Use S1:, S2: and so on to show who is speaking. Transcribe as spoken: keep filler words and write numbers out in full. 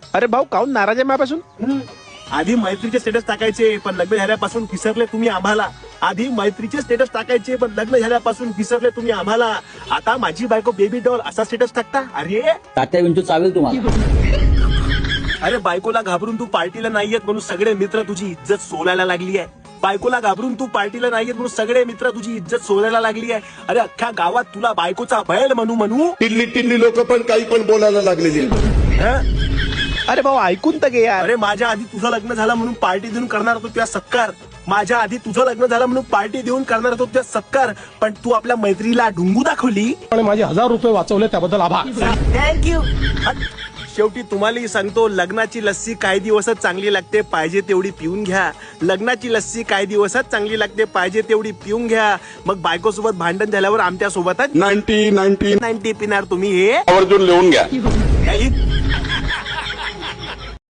S1: अरे भाऊ काहून नाराज आहे माझ्यापासून?
S2: आधी मैत्रीचे स्टेटस टाकायचे पण लग्न झाल्यापासून विसरले तुम्ही आम्हाला. आधी मैत्रीचे स्टेटस टाकायचे पण लग्न झाल्यापासून विसरले तुम्ही आम्हाला. आता माझी बायको बेबी डॉल असा स्टेटस टाकता. अरे
S3: तात्या विंचू चावेल तुम्हाला.
S2: अरे बायकोला घाबरून तू पार्टीला नाही येत म्हणून सगळे मित्र तुझी इज्जत सोलायला लागली आहे. बायकोला घाबरून तू पार्टीला नाही येत म्हणून सगळे मित्र तुझी इज्जत सोलायला लागली आहे. अरे अख्ख्या गावात तुला बायकोचा बैल म्हणू म्हणू
S4: टिल्ली टिल्ली लोक पण काही पण बोलायला लागलेली.
S2: हं?
S1: अरे भाऊ ऐकून तर घे यार.
S2: अरे माझ्या आधी तुझं लग्न झालं म्हणून पार्टी देऊन करणार होतो तुझ्या सत्कार. माझ्या आधी तुझं लग्न झालं म्हणून पार्टी देऊन करणार होतो तुझ्या सत्कार. पण तू आपल्या मैत्रीला ढुंगू दाखवली
S5: आणि माझे हजार रुपये वाचवले त्याबद्दल आभार.
S2: थँक्यू. शेवटी तुम्हालाही सांगतो लग्नाची लस्सी काही दिवसच चांगली लागते पाहिजे तेवढी पिऊन घ्या. लग्नाची लस्सी काही दिवसच चांगली लागते पाहिजे तेवढी पिऊन घ्या. मग बायको सोबत भांडण झाल्यावर आमच्या सोबतच
S4: नाईन्टी नाईन्टी
S2: नाईन्टी पिणार तुम्ही हे
S4: आवर्जून लिहून घ्या.
S2: काही